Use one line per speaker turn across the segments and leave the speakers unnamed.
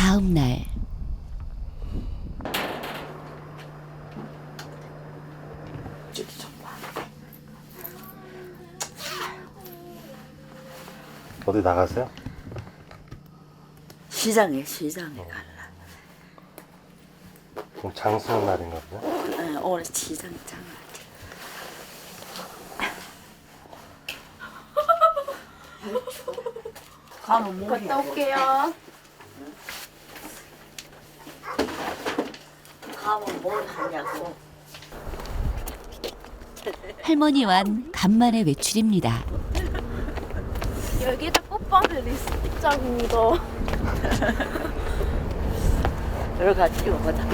다음 날
어디 나가세요?
시장에 갈라.
그럼 장수는 날인가 보네.
오늘 시장에 장을. 가면 뭐
갔다 올게요.
가면 뭘 하냐고.
할머니와는 간만에 외출입니다.
여기다 꽃밭을 있자입니다.
들어가 찍어보자.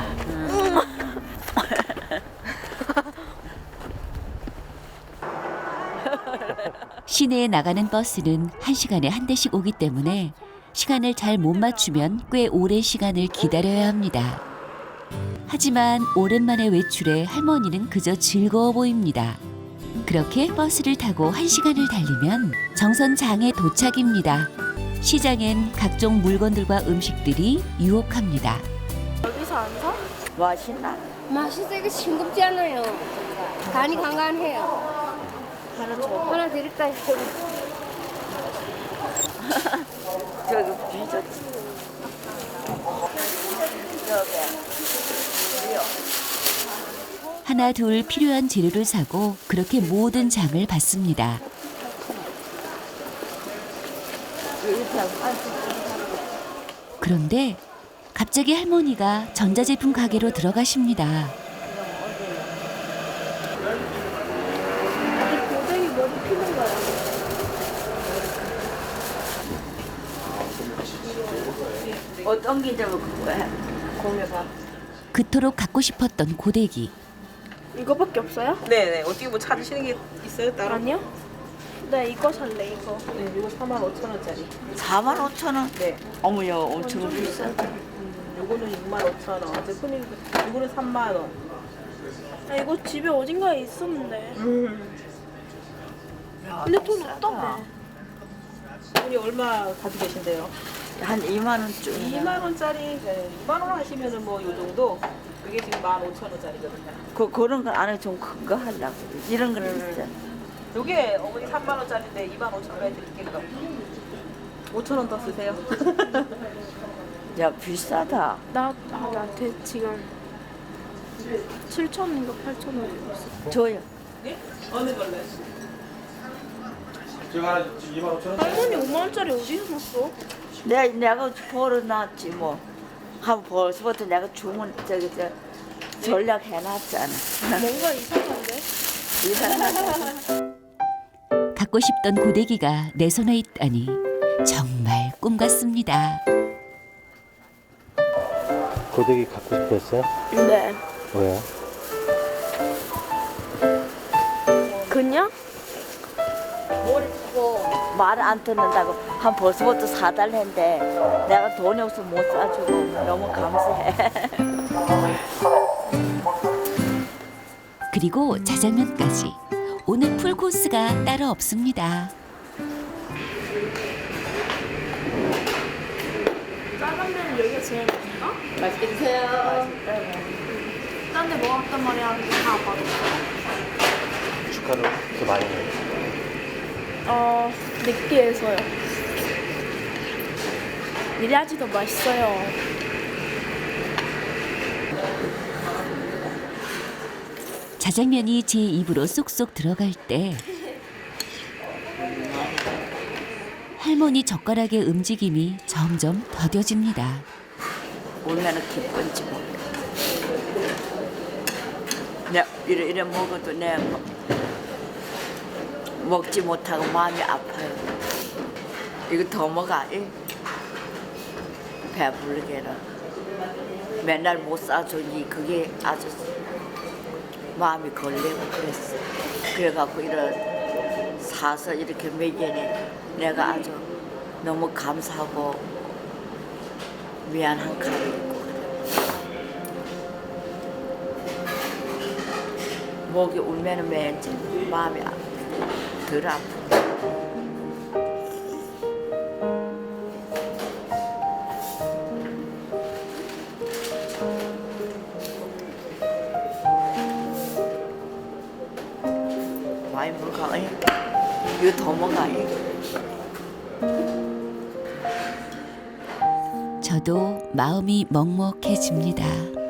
시내에 나가는 버스는 1시간에 한 대씩 오기 때문에 시간을 잘 못 맞추면 꽤 오랜 시간을 기다려야 합니다. 하지만 오랜만에 외출해 할머니는 그저 즐거워 보입니다. 그렇게 버스를 타고 1시간을 달리면 정선장에 도착입니다. 시장엔 각종 물건들과 음식들이 유혹합니다.
여기서 안 사?
맛있나?
맛이 되게 싱겁지 않아요. 간이 간간해요.
하나 줘.
하나 드릴까요?
저기 비졌지.
하나 둘 필요한 재료를 사고 그렇게 모든 장을 봤습니다. 그런데 갑자기 할머니가 전자제품 가게로 들어가십니다.
고데기 머리 피는 거야.
어떤 게 좀 그거야? 공유가.
그토록 갖고 싶었던 고데기.
이거밖에 없어요?
네네. 어떻게 뭐 찾으시는 게 있어요? 따로?
아니요. 네, 이거 살래, 이거.
네, 이거 45,000원짜리.
45,000원?
네.
어머야, 엄청 비싸다.
요거는 65,000원. 이제 흔히 요거는 3만 원.
아, 이거 집에 어딘가에 있었는데. 근데 돈 없다며.
돈이 얼마 가지고 계신데요?
한 2만 원쯤.
2만 원짜리, 네, 2만 원 하시면은 뭐 요 정도. 이게 지금 15,000원짜리거든요.
그런 건 안에 좀 큰 거 하려고. 이런 거는 있잖아.
요게 어머니 3만 원짜리인데 25,000원에 드릴게요. 5,000원 더 쓰세요.
야, 비싸다.
나한테 지금 7,000원인가 8,000원 있어.
줘요.
네? 어느 걸로?
제가 지금 25,000원.
할머니 5만원짜리 어디서 샀어?
내가 벌어놨지 뭐. 한 벌써부터 내가 주문 저 전략해놨잖아.
뭔가 이상한데?
이상하다.
갖고 싶던 고데기가 내 손에 있다니 정말 꿈 같습니다.
고데기 갖고 싶었어요?
네.
왜요?
그냥?
말 안 듣는다고 한 벌써부터 사달랬는데 내가 돈이 없어 못 사주고 너무 감사해.
그리고 자장면까지. 오늘 풀코스가 따로 없습니다.
짜장면 여기가 제일 맛있나?
맛있게 드세요.
딴 데 먹었단 말이야. 근데 다 맛없어.
주가를 그렇게 많이 내요.
느끼해서요. 이래야지 더 맛있어요.
자장면이 제 입으로 쏙쏙 들어갈 때 할머니 젓가락의 움직임이 점점 더뎌집니다.
얼마나 기쁜지 몰라. 내가 이래 먹어도 내가 먹지 못하고 마음이 아파요. 이거 더 먹어. 배부르게는. 맨날 못 사주니 그게 아주 마음이 걸리고 그랬어. 그래갖고 이런 사서 이렇게 먹이니 내가 아주 너무 감사하고 미안한 감이 있고 그래. 목이 울면은 왠지 마음이 덜 아프고. 많이 먹어요. 이거 더 먹어요.
저도 마음이 먹먹해집니다.